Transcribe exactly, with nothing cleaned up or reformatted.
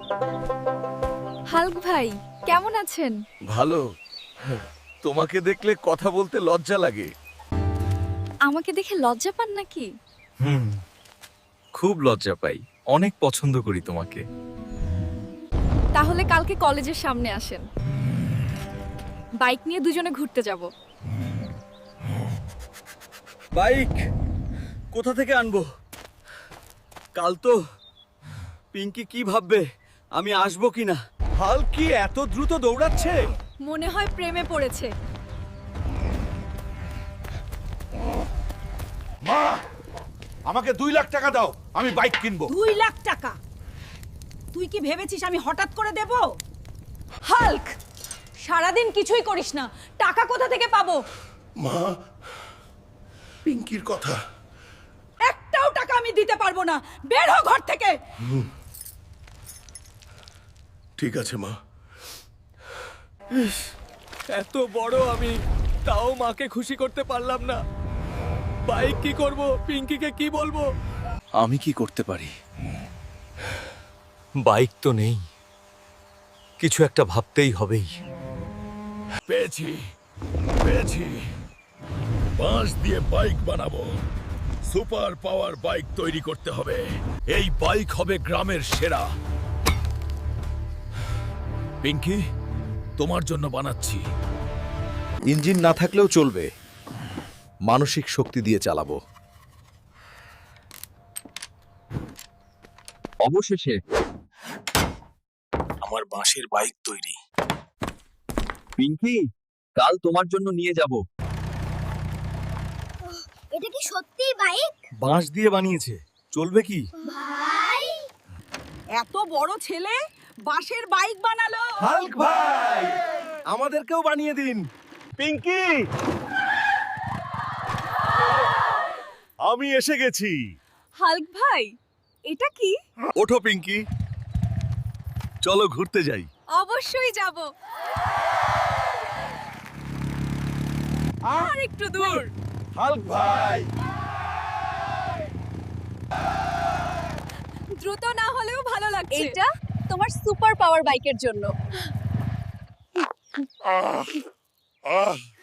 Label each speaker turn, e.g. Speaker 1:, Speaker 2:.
Speaker 1: Hulk ভাই কেমন আছেন?
Speaker 2: ভালো। তোমাকে দেখলে কথা বলতে লজ্জা লাগে।
Speaker 1: আমাকে দেখে লজ্জা পান নাকি?
Speaker 2: হুম, খুব লজ্জা পাই। অনেক পছন্দ করি তোমাকে।
Speaker 1: তাহলে কালকে কলেজের সামনে আসেন, বাইক নিয়ে দুজনে ঘুরতে যাব।
Speaker 2: বাইক কোথা থেকে আনবো? কাল তো পিঙ্কি কি ভাববে আমি আসবো কিনা? হাল কি এত দ্রুত দৌড়াচ্ছে?
Speaker 1: মনে হয় প্রেমে পড়েছে।
Speaker 3: মা, আমাকে দুই লাখ টাকা দাও, আমি বাইক কিনবো।
Speaker 4: দুই লাখ টাকা? তুই কি ভেবেছিস আমি হঠাৎ করে দেব? হাল্ক, সারাদিন কিছুই করিস না, টাকা কোথা থেকে পাবো?
Speaker 3: মা, পিঙ্কির কথা।
Speaker 4: একটাও টাকা আমি দিতে পারবো না, বের হ ঘর থেকে।
Speaker 3: ঠিক আছে মা।
Speaker 2: এত বড় আমি, তাও মাকে খুশি করতে পারলাম না। বাইক কি করব? পিঙ্কিকে কি বলবো? আমি কি করতে পারি? বাইক তো নেই, কিছু একটা ভাবতেই হবেই।
Speaker 3: পেয়েছি পেয়েছি বাঁশ দিয়ে বাইক বানাবো। সুপার পাওয়ার বাইক তৈরি করতে হবে। এই বাইক হবে গ্রামের সেরা। পিঙ্কি, তোমার জন্য বানাচ্ছি।
Speaker 5: ইঞ্জিন না থাকলেও চলবে, মানসিক শক্তি দিয়ে চালাবো।
Speaker 2: অবশেষে আমার বাঁশের বাইক তৈরি। পিঙ্কি, কাল তোমার জন্য নিয়ে যাব।
Speaker 6: এটা কি সত্যিই বাইক?
Speaker 2: বাঁশ দিয়ে বানিয়েছে, চলবে কি?
Speaker 6: ভাই,
Speaker 4: এত বড় ছেলে বাঁশের বাইক বানালো।
Speaker 2: হাল্ক ভাই, আমাদেরকেও বানিয়ে দিন। পিঙ্কি,
Speaker 3: আমি এসে গেছি।
Speaker 4: হাল্ক ভাই, এটা কি?
Speaker 2: ওঠো পিঙ্কি, চলো ঘুরতে যাই।
Speaker 1: অবশ্যই যাব।
Speaker 4: আর একটু দূর।
Speaker 3: হাল্ক ভাই,
Speaker 1: দ্রুত না হলেও ভালো লাগছে। এটা তোমার সুপার পাওয়ার বাইকের জন্য।
Speaker 3: আহ